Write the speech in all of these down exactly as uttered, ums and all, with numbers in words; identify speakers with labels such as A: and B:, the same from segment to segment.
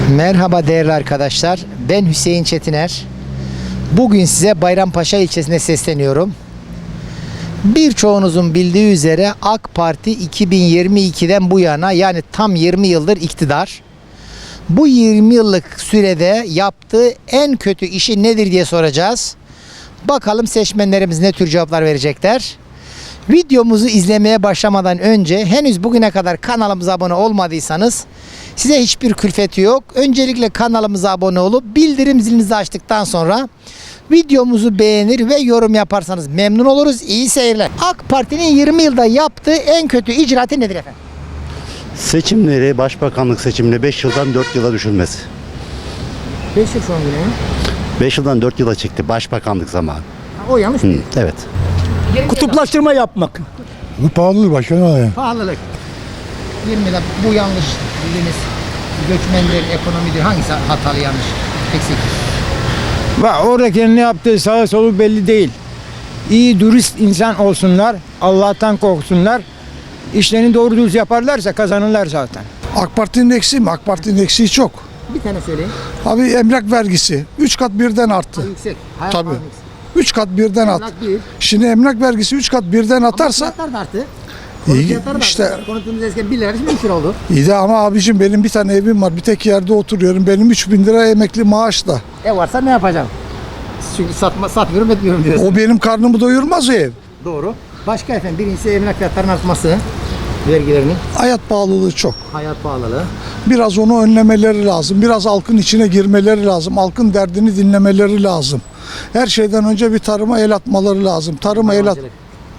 A: Merhaba değerli arkadaşlar. Ben Hüseyin Çetiner. Bugün size Bayrampaşa ilçesine sesleniyorum. Birçoğunuzun bildiği üzere AK Parti iki bin yirmi ikiden bu yana, yani tam yirmi yıldır iktidar. Bu yirmi yıllık sürede yaptığı en kötü işi nedir diye soracağız. Bakalım seçmenlerimiz ne tür cevaplar verecekler. Videomuzu izlemeye başlamadan önce henüz bugüne kadar kanalımıza abone olmadıysanız size hiçbir külfeti yok. Öncelikle kanalımıza abone olup bildirim zilinizi açtıktan sonra videomuzu beğenir ve yorum yaparsanız memnun oluruz. İyi seyirler. AK Parti'nin yirmi yılda yaptığı en kötü icraatı nedir efendim?
B: Seçimleri, başbakanlık seçimini beş yıldan dört yıla düşürmesi.
A: beş yıl son günü.
B: beş yıldan dört yıla çıktı başbakanlık zamanı.
A: O yanlış
B: Hı,
A: değil.
B: evet.
C: Kutuplaştırma yapmak.
D: Bu pahalılık başkanım yani.
A: Pahalılık. yirmi yılda bu yanlış dediğiniz göçmendir, ekonomidir. Hangisi hatalı, yanlış, eksik?
C: Ve oradaki ne yaptığı sağa solu belli değil. İyi dürüst insan olsunlar, Allah'tan korksunlar. İşlerini doğru düz yaparlarsa kazanırlar zaten.
D: AK Parti'nin eksiği mi? AK Parti'nin eksiği çok.
A: Bir tane söyleyin.
D: Abi emlak vergisi üç kat birden arttı.
A: Yüksek. Hayat
D: Tabii.
A: pahalılık.
D: üç kat birden arttı.
A: Emlak bir.
D: Şimdi emlak vergisi üç kat birden atarsa
A: Ama fiyatlar da arttı.
D: İyi,
A: Fiyatlar da
D: işte-
A: arttı. Konutumuz eskiden bir lira şimdi üç lira oldu.
D: iyi de ama abicim benim bir tane evim var. Bir tek yerde oturuyorum. Benim üç bin lira emekli maaşla.
A: Ev varsa ne yapacağım? Çünkü satma, satmıyorum etmiyorum diyorsun.
D: O benim karnımı doyurmaz o ev.
A: Doğru. Başka efendim, birincisi emlak fiyatlarının artması. Vergilerinin.
D: Hayat pahalılığı çok.
A: Hayat pahalılığı.
D: Biraz onu önlemeleri lazım. Biraz halkın içine girmeleri lazım. Halkın derdini dinlemeleri lazım. Her şeyden önce bir tarıma el atmaları lazım. Tarıma el at.
A: Hayvancılık.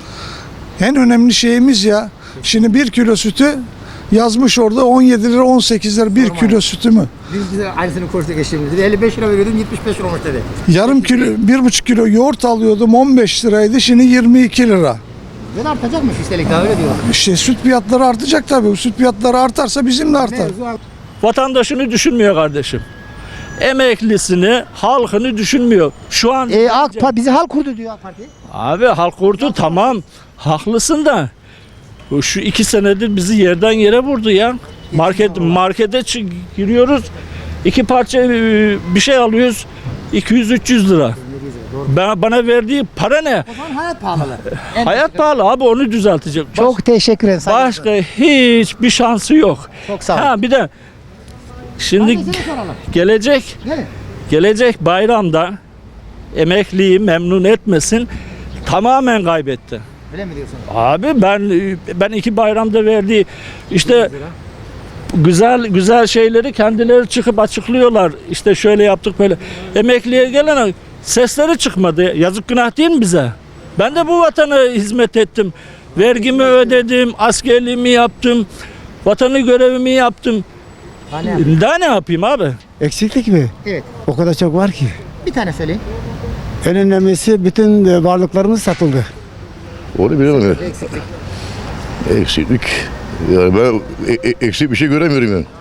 D: En önemli şeyimiz ya. Şimdi bir kilo sütü yazmış orada on yedi lira on sekiz lira bir
A: Normal.
D: kilo sütü mü?
A: Biz bize aynısını konuştuk eşimizle. elli beş lira veriyordum, yetmiş beş lira olmuş dedi.
D: Yarım kilo, bir buçuk kilo yoğurt alıyordum on beş liraydı, şimdi yirmi iki lira.
A: Ve de artacakmış üstelik daha, öyle diyor.
D: İşte süt fiyatları artacak tabii. Süt fiyatları artarsa bizim de artar.
A: Mevzu
E: Vatandaşını düşünmüyor kardeşim. Emeklisini, halkını düşünmüyor. Şu an
A: E, AK Parti bizi halk kurdu diyor AK Parti.
E: abi halk kurdu, tamam, haklısın da bu şu iki senedir bizi yerden yere vurdu ya. Market markete çı- giriyoruz, iki parça e, bir şey alıyoruz, iki yüz üç yüz lira. Ben, bana verdiği para ne?
A: O zaman hayat pahalılığı. En
E: Hayat pahalı abi, onu düzeltecek. Baş-
A: Çok teşekkür ederim. saygılar.
E: başka hiçbir şansı yok.
A: Çok sağ olun.
E: Ha bir de şimdi
A: Hadi seni soralım.
E: gelecek
A: Gelin.
E: Gelecek bayramda emekliyi memnun etmesin, tamamen kaybetti.
A: Öyle mi diyorsun?
E: Abi ben ben iki bayramda verdiği işte güzel güzel şeyleri kendileri çıkıp açıklıyorlar. İşte şöyle yaptık böyle. Emekliye gelen sesleri çıkmadı. Yazık, günah değil mi bize? Ben de bu vatana hizmet ettim. Vergimi ödedim, askerliğimi yaptım, vatanı görevimi yaptım.
A: Hani
E: Daha ne yapayım abi?
C: Eksiklik mi?
A: evet.
C: O kadar çok var ki.
A: Bir tane söyleyin.
C: En önemlisi bütün varlıklarımız satıldı.
F: Onu bilemem ya.
A: Eksiklik.
F: Eksiklik. Yani ben e- e- eksik bir şey göremiyorum yani.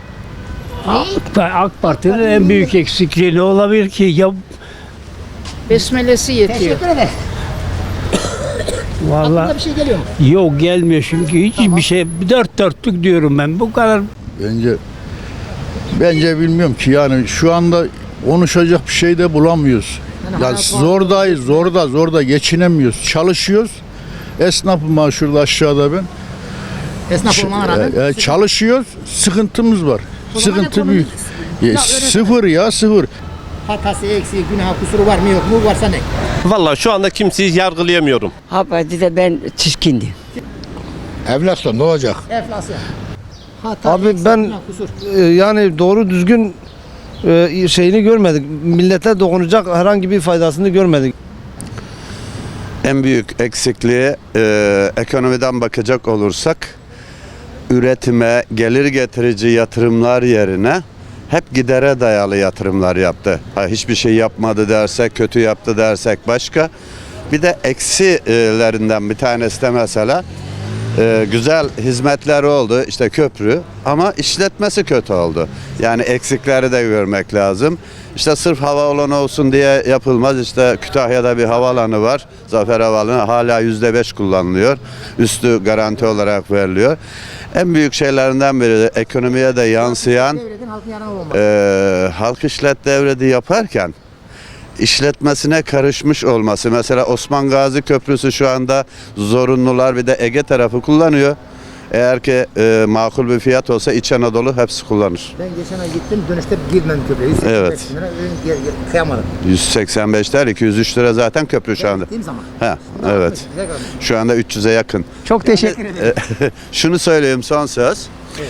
G: AK Parti'nin en büyük eksikliği ne olabilir ki? Ya
H: Besmelesi yetiyor.
A: Teşekkür ederim. Aklına
G: vallahi
A: bir şey geliyor mu?
G: yok, gelmiyor çünkü hiçbir şey, dört dörtlük diyorum ben. Bu kadar.
I: Bence bence bilmiyorum ki, yani şu anda konuşacak bir şey de bulamıyoruz.
A: Yani
I: Ya
A: hayat
I: zordayız, zorda zorda geçinemiyoruz. Çalışıyoruz. Esnafım var şurada aşağıda ben.
A: Esnaf olmana rağmen.
I: E, e, çalışıyoruz. Sıkıntımız var.
A: O zaman
I: Sıkıntı
A: ekonomi-
I: büyük.
A: Ya
I: E,
A: öyle-
I: sıfır ya sıfır.
A: Hatası, eksiği, günahı, kusuru var mı yok mu? Varsa ne?
J: Vallahi şu anda kimseyi yargılayamıyorum.
H: Haber'de ben çirkindim.
D: Evlatla ne olacak?
A: Enflasyon. Hata,
C: Abi
A: eksik,
C: ben-
A: günah, kusur.
C: Ee, yani doğru düzgün e, şeyini görmedik. Millete dokunacak herhangi bir faydasını görmedik.
K: En büyük eksikliği e, ekonomiden bakacak olursak üretime, gelir getirici yatırımlar yerine hep gidere dayalı yatırımlar yaptı. Ha, hiçbir şey yapmadı dersek, kötü yaptı dersek başka. Bir de eksilerinden bir tanesi de mesela e, güzel hizmetler oldu, işte köprü, ama işletmesi kötü oldu. Yani eksikleri de görmek lazım. İşte sırf havaalanı olsun diye yapılmaz. İşte Kütahya'da bir havaalanı var. Zafer Havaalanı hala yüzde beş kullanılıyor. Üstü garanti olarak veriliyor. En büyük şeylerinden biri de ekonomiye de yansıyan
A: Devletin halkın yanına olması.
K: e, halk işlet devleti yaparken işletmesine karışmış olması. Mesela Osman Gazi Köprüsü şu anda zorunlular bir de Ege tarafı kullanıyor. Eğer ki e, makul bir fiyat olsa İç Anadolu hepsi kullanır.
A: Ben geçen ay gittim dönüşte girmedim köprüye. yüz seksen beş
K: Evet.
A: lira, ürün geri- geri- kıyamadım.
K: yüz seksen beşler iki yüz üç lira zaten köprü şu anda.
A: Gittiğim zaman.
K: Ha, evet. Şu anda üç yüze yakın.
A: Çok teşekkür ederim.
K: Şunu söyleyeyim son söz.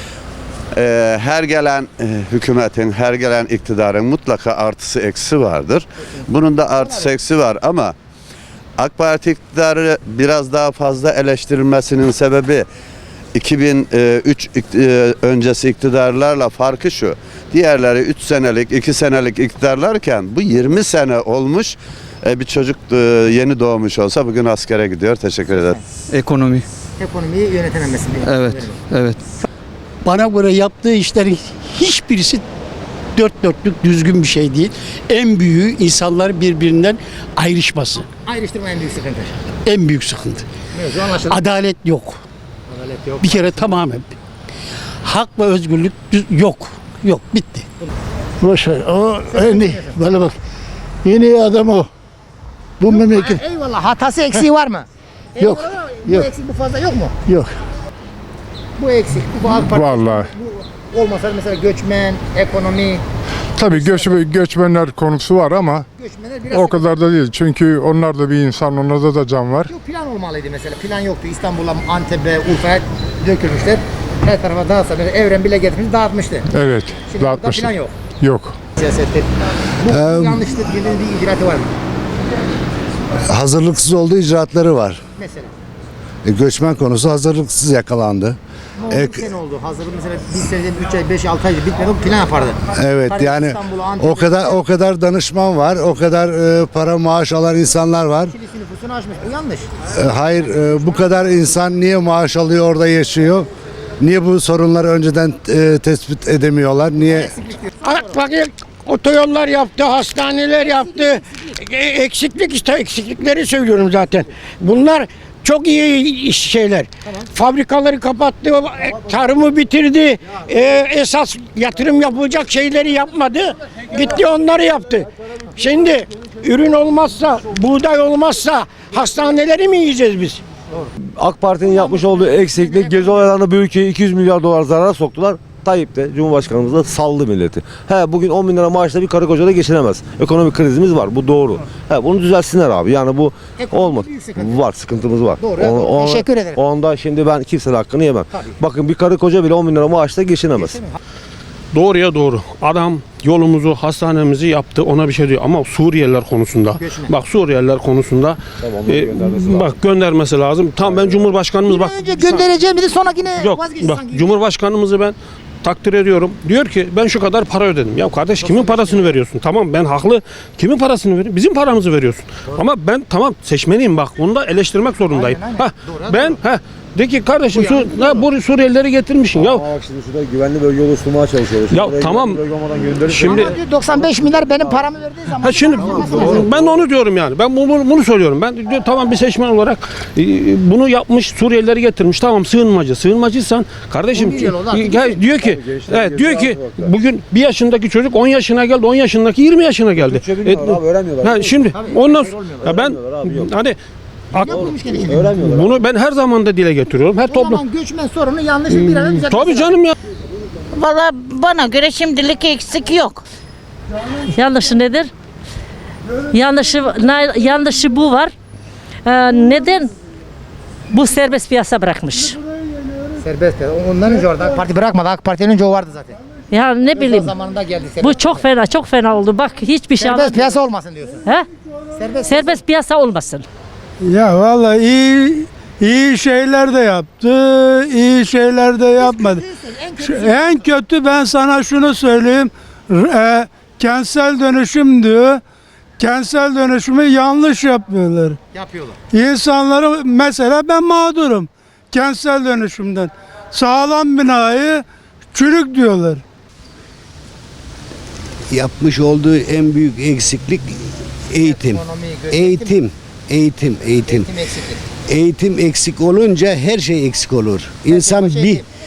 K: Ee, her gelen e, hükümetin, her gelen iktidarın mutlaka artısı eksi vardır. Bunun da artısı eksi var ama AK Parti iktidarı biraz daha fazla eleştirilmesinin sebebi iki bin üç ikt- e, öncesi iktidarlarla farkı şu. Diğerleri üç senelik, iki senelik iktidarlarken bu yirmi sene olmuş. E, bir çocuk e, yeni doğmuş olsa bugün askere gidiyor. Teşekkür ederim.
G: Ekonomi.
A: Ekonomiyi yönetememesi.
G: Evet. Evet.
L: Bana göre yaptığı işlerin hiçbirisi dört dörtlük düzgün bir şey değil. En büyüğü insanlar birbirinden ayrışması.
A: Ayrıştırma en büyük sıkıntı.
L: En büyük sıkıntı.
A: Mevzu anlaşıldı.
L: Adalet yok.
A: Adalet yok.
L: Bir kere tamamen. Hak ve özgürlük düz- yok. Yok. Bitti.
I: Boşver. O en bana bak. Yeni adam o. Bu memleket
A: Eyvallah. Hatası eksiği var mı?
I: Yok,
A: Eyvallah, Bu
I: yok.
A: eksik bu fazla yok mu?
I: yok.
A: Bu eksik. Bu AK Parti.
M: Vallahi.
A: Bu olmasa mesela göçmen, ekonomi.
M: Tabii göç, göçmenler konusu var ama
A: Göçmenler biraz
M: o kadar da değil. Çünkü onlar da bir insan, onlarda da can var.
A: Yok, plan olmalıydı mesela. Plan yoktu. İstanbul'a, Antep'e, Urfa'ya dökülmüşler. Her tarafa dağıtsa mesela Evren bile getirmiş dağıtmış.
M: Evet,
A: Şimdi burada
M: dağıtmışlar.
A: plan yok.
M: Yok.
A: Siyasette. Bu yanlışlık dediğiniz bir icraatı var mı?
B: Hazırlıksız olduğu icraatları var.
A: Mesela.
B: E, göçmen konusu hazırlıksız yakalandı.
A: Ne oldu?
B: Ek-
A: Bir sene oldu. Hazırlık mesela bir seneden üç ay, beş, altı ay bitmedi. Plan yapardı.
B: Evet
A: Tabii
B: yani
A: İstanbul'a, Antep'e-
B: o kadar o kadar danışman var, o kadar e, para maaş alan insanlar var.
A: Kilisi nüfusunu aşmış. Bu yanlış.
B: E, hayır e, bu kadar insan niye maaş alıyor orada yaşıyor? Niye bu sorunları önceden e, tespit edemiyorlar? Niye?
L: Bakın otoyollar yaptı, hastaneler yaptı. E, Eksiklik işte eksiklikleri söylüyorum zaten. Bunlar çok iyi iş şeyler. Fabrikaları kapattı, tarımı bitirdi. E, esas yatırım yapılacak şeyleri yapmadı. Gitti onları yaptı. Şimdi ürün olmazsa, buğday olmazsa hastaneleri mi yiyeceğiz biz?
G: AK Parti'nin yapmış olduğu eksiklik gezi olaylarında bu ülkeyi iki yüz milyar dolar zarara soktular. Tayyip de Cumhurbaşkanımız da saldı milleti. He bugün on bin lira maaşla bir karı koca da geçinemez. Ekonomik krizimiz var. Bu doğru. He bunu düzelsinler abi. Yani bu
A: Ekonomik
G: olmaz.
A: büyük sıkıntı.
G: Var sıkıntımız var.
A: Doğru, doğru. Teşekkür ederim.
G: Onda şimdi ben kimsenin hakkını yemem.
A: Tabii.
G: Bakın bir karı koca bile on bin lira maaşla geçinemez.
E: Doğruya doğru. Adam yolumuzu, hastanemizi yaptı. Ona bir şey diyor. Ama Suriyeliler konusunda.
A: Göçmen.
E: Bak Suriyeliler konusunda.
G: Tamam, onları
E: e,
G: göndermesi lazım.
E: bak göndermesi lazım. Tam ben Cumhurbaşkanımız bak.
A: Önce göndereceğim dedi sonrakine
E: Yok
A: vazgeçti
E: bak
A: sanki.
E: Cumhurbaşkanımızı ben takdir ediyorum. Diyor ki ben şu kadar para ödedim. Ya kardeş kimin parasını veriyorsun? Tamam ben haklı. Kimin parasını veriyorsun? Bizim paramızı veriyorsun. Ama ben tamam seçmeniyim bak. Bunu da eleştirmek zorundayım.
A: Aynen, aynen.
E: Ha,
A: Doğru,
E: ben ha de ki kardeşim
A: Bu yani
E: Su, ha, bu Suriyelileri getirmişsin. Ya
G: Bak şimdi şurada güvenli bölge oluşturmaya çalışıyoruz.
E: Ya
G: Buraya
E: tamam.
G: güvenli bölge olmadan gönderirse-
E: Şimdi
A: Ama diyor doksan beş milyar benim paramı verdiği zaman.
E: Ha şimdi ben de onu diyorum yani. Ben bunu, bunu söylüyorum. Ben diyor, tamam bir seçmen olarak e, bunu yapmış Suriyelileri getirmiş. Tamam sığınmacı. Sığınmacıysan kardeşim
A: on bir yıl oldu artık.
E: gel, diyor ki evet, diyor ki bugün bir yaşındaki çocuk on yaşına geldi. on yaşındaki yirmi yaşına geldi.
G: Türkçe bilmiyorlar abi, öğrenmiyorlar.
E: Ha, şimdi ondan sonra ya ben
G: Öğrenmiyorlar abi, yok.
E: hani ak-
A: Yapılmış gene şimdi.
G: Öğrenmiyorlar.
E: bunu ben her zaman da dile getiriyorum. Her
A: O
E: toplum.
A: zaman göçmen sorunu yanlış bir an önce.
E: Tabii canım ya.
H: Valla bana göre şimdilik eksik yok. Yanlışı nedir? Yanlışı, na- yanlışı bu var. Ee, neden? Bu serbest piyasa bırakmış.
A: Serbest ya. Ondan önce orada AK Parti bırakmadı. AK Parti'nin önce o vardı zaten.
H: Ya ne
A: Özal
H: bileyim.
A: zamanında geldi.
H: Bu
A: serbest.
H: çok fena, çok fena oldu. Bak hiçbir şey
A: Serbest
H: alamıyorum.
A: piyasa olmasın diyorsun.
H: He?
A: Serbest,
H: Serbest piyasa olmasın.
C: Ya vallahi iyi iyi şeyler de yaptı, iyi şeyler de yapmadı. Şu- En kötü ben sana şunu söyleyeyim. R- E, kentsel dönüşüm diyor. Kentsel dönüşümü yanlış yapıyorlar.
A: yapıyorlar.
C: İnsanları mesela ben mağdurum kentsel dönüşümden. Sağlam binayı çürük diyorlar.
B: Yapmış olduğu en büyük eksiklik eğitim.
A: Ekonomi, göçmen-
B: Eğitim, eğitim, eğitim.
A: Eğitim eksiklik.
B: Eğitim eksik olunca her şey eksik olur. İnsan
A: her şey
B: bir
A: eğitim.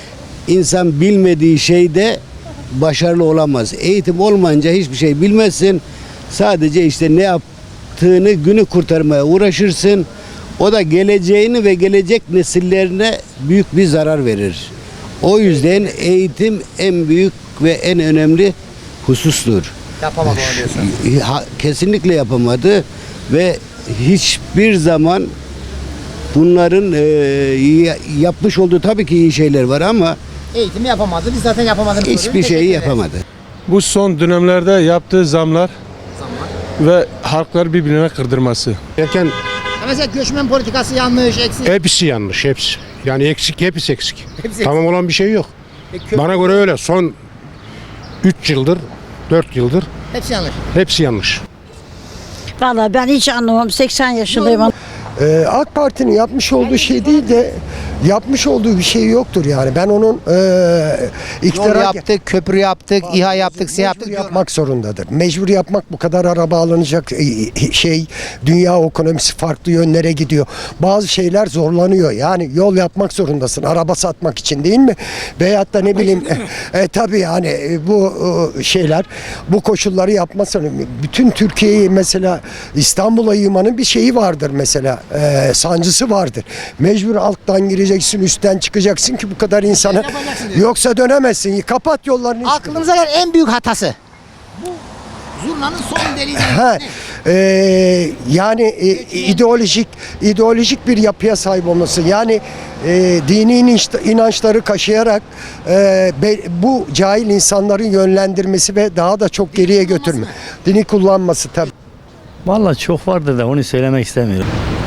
N: İnsan bilmediği şeyde başarılı olamaz. Eğitim olmayınca hiçbir şey bilmezsin. Sadece işte ne yaptığını günü kurtarmaya uğraşırsın. O da geleceğini ve gelecek nesillerine büyük bir zarar verir. O yüzden eğitim en büyük ve en önemli husustur.
A: Yapamadı onu diyorsun.
N: Ha- Kesinlikle yapamadı ve hiçbir zaman bunların e, ya- yapmış olduğu tabii ki iyi şeyler var ama
A: Eğitimi yapamadı. Biz zaten yapamadığını
N: hiçbir
A: soruyoruz.
N: şeyi
A: Teşekkür ederiz.
N: yapamadı.
M: Bu son dönemlerde yaptığı zamlar ve halkları birbirine kırdırması.
O: Erken
A: Ya Mesela göçmen politikası yanlış, eksik.
O: hepsi yanlış, hepsi. Yani eksik, hepsi eksik.
A: Hepsi
O: Tamam olan bir şey yok.
A: E, kö-
O: Bana göre öyle. Son üç yıldır, dört yıldır
A: Hepsi yanlış.
O: hepsi yanlış.
H: Vallahi ben hiç anlamam. seksen yaşındayım.
L: Ee, AK Parti'nin yapmış olduğu şey değil de yapmış olduğu bir şey yoktur yani. Ben onun e,
A: Yol
L: iktidara
A: yaptık, köprü yaptık, İHA yaptık, SİHA yaptık.
L: mecbur yapmak zorundadır. Mecbur yapmak, bu kadar araba alınacak e, şey, dünya ekonomisi farklı yönlere gidiyor. Bazı şeyler zorlanıyor. Yani yol yapmak zorundasın araba satmak için, değil mi? Veyahut da ne bileyim e, e, tabii yani e, bu e, şeyler, bu koşulları yapmasın. Bütün Türkiye'yi mesela İstanbul'a yığmanın bir şeyi vardır mesela. E, sancısı vardır. Mecbur alttan gireceksin, üstten çıkacaksın ki bu kadar insanı, yoksa dönemezsin. Kapat yollarını.
A: Aklınıza gelen en büyük hatası. Bu zurnanın son deliği.
L: Ha, e, yani e, ideolojik ideolojik bir yapıya sahip olması. Yani e, dini inanç- inançları kaşıyarak e, be- bu cahil insanların yönlendirmesi ve daha da çok geriye götürme. Dini kullanması tabii.
E: Vallahi çok vardı da onu söylemek istemiyorum.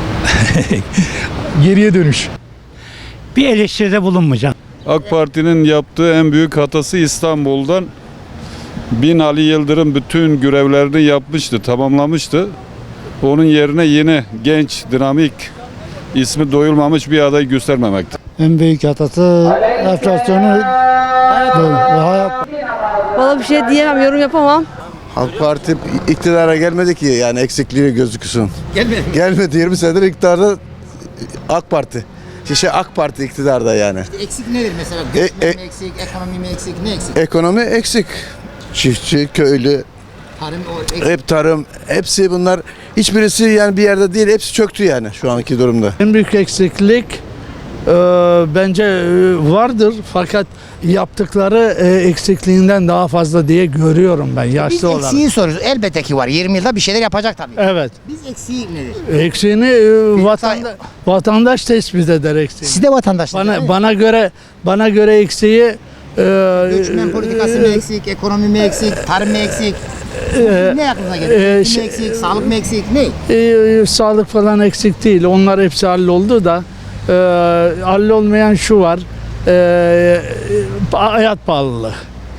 D: Geriye dönüş.
E: Bir eleştiride bulunmayacağım.
M: AK Parti'nin yaptığı en büyük hatası İstanbul'dan Binali Yıldırım bütün görevlerini yapmıştı, tamamlamıştı. Onun yerine yeni genç, dinamik, ismi doyulmamış bir aday göstermemekti.
D: En büyük hatası enflasyonu hayat.
H: Valla bir şey diyemem, yorum yapamam.
I: AK Parti iktidara gelmedi ki yani eksikliği gözüksün.
A: Gelmedi.
I: Gelmedi yirmi senedir iktidarda AK Parti. Şey AK Parti iktidarda yani.
A: Eksik nedir mesela?
I: E,
A: Göçmen
I: e-
A: mi eksik, ekonomi mi eksik, ne eksik?
I: Ekonomi eksik. Çiftçi, köylü,
A: Tarım o eksik.
I: hep tarım, hepsi bunlar hiçbirisi yani bir yerde değil, hepsi çöktü yani şu anki durumda.
C: En büyük eksiklik e, bence e, vardır fakat yaptıkları e, eksikliğinden daha fazla diye görüyorum ben
A: Biz
C: yaşlı olarak.
A: eksiği soruyoruz. Elbette ki var. yirmi yılda bir şeyler yapacak tabii.
C: Evet.
A: Biz eksiği nedir?
C: Eksiğini e, vatanda, vatandaş tespit eder eksiğini.
A: Siz de vatandaşlar.
C: Bana bana göre bana göre eksiği e,
A: Göçmen politikası mı eksik, ekonomi mi eksik, tarım mı eksik?
C: e,
A: Ne aklınıza geliyor?
C: e,
A: Eğitim
C: şey-
A: mi eksik, sağlık mı eksik, ne?
C: e, sağlık falan eksik değil. Onlar hepsi halloldu da e, hallolmayan şu var. E, hayat pahalılığı.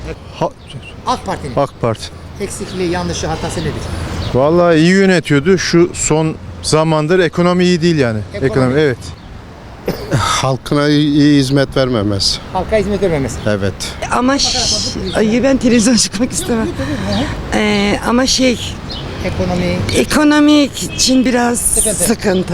A: AK Parti'nin
M: AK Parti.
A: eksikliği, yanlışı, hatası nedir?
M: Vallahi iyi yönetiyordu. Şu son zamandır ekonomi iyi değil yani.
A: Ekonomi.
M: evet.
O: Halkına iyi hizmet vermemesi.
A: Halka hizmet vermemesi.
O: Evet.
H: Ama ay ben televizyon çıkmak istemem. Ee, ama şey
A: Ekonomi.
H: ekonomik için biraz sıkıntı.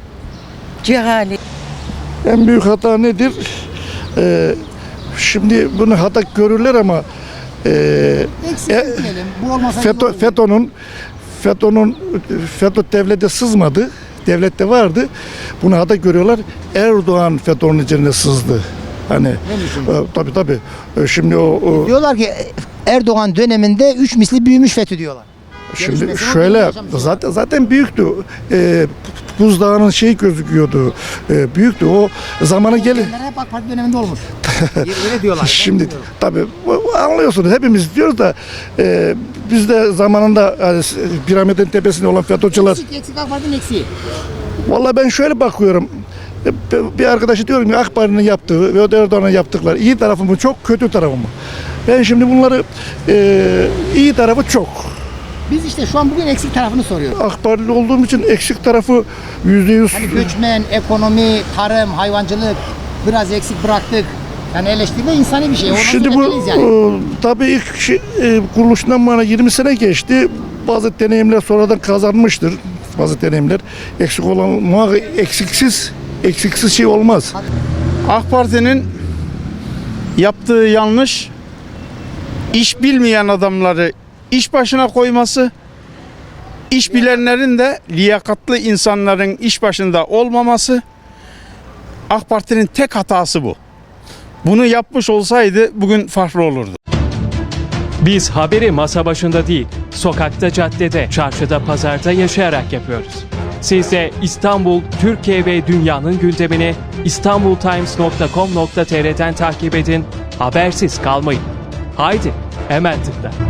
H: Cehali.
D: En büyük hata nedir? Ee, şimdi bunu hata görürler ama e,
A: Eksik
D: E,
A: diyelim. Bu olmasa
D: FETÖ, FETÖ'nün FETÖ'nün FETÖ devlette sızmadı. Devlette vardı. Bunu hata görüyorlar. Erdoğan FETÖ'nün üzerine sızdı. Hani e, tabii tabii. E, şimdi o, o
A: diyorlar ki Erdoğan döneminde üç misli büyümüş FETÖ diyorlar.
D: şimdi
A: Gelişmesi
D: şöyle
A: oldu, yaşamış
D: zaten zaten büyüktü. E, buzdağının şey gözüküyordu. E, büyüktü. O zamanı gelin.
A: Bunlar hep AK Parti döneminde olmuş. Öyle diyorlar.
D: Şimdi tabii bu- bu anlıyorsunuz hepimiz diyoruz da e, biz de zamanında hani, piramidin tepesinde olan FETÖ'cüler.
A: Eksik, eksik AK Parti'nin eksiği.
D: Vallahi ben şöyle bakıyorum. E, Bir arkadaşı diyorum ki AK Parti'nin yaptığı ve Erdoğan'ın yaptıkları iyi tarafı mı çok, kötü tarafı mı? Ben şimdi bunları e, iyi tarafı çok.
A: Biz işte şu an bugün eksik tarafını soruyoruz.
D: AK Partili olduğum için eksik tarafı yüzde yüz.
A: Hani göçmen, ekonomi, tarım, hayvancılık biraz eksik bıraktık. Yani eleştirme insani bir şey. Ondan
D: Şimdi bu
A: söylemeyiz yani.
D: e, tabii ilk şey, e, kuruluşundan bana yirmi sene geçti. Bazı deneyimler sonradan kazanmıştır. Bazı deneyimler eksik olan muhakkak eksiksiz eksiksiz şey olmaz.
C: AK Parti'nin
P: Yaptığı yanlış, iş bilmeyen adamları iş başına koyması, iş bilenlerin de liyakatlı insanların iş başında olmaması. AK Parti'nin tek hatası bu. Bunu yapmış olsaydı bugün farklı olurdu.
Q: Biz haberi masa başında değil, sokakta, caddede, çarşıda, pazarda yaşayarak yapıyoruz. Siz de İstanbul, Türkiye ve dünyanın gündemini istanbultimes nokta com nokta tr'den takip edin, habersiz kalmayın. Haydi, hemen tıkla.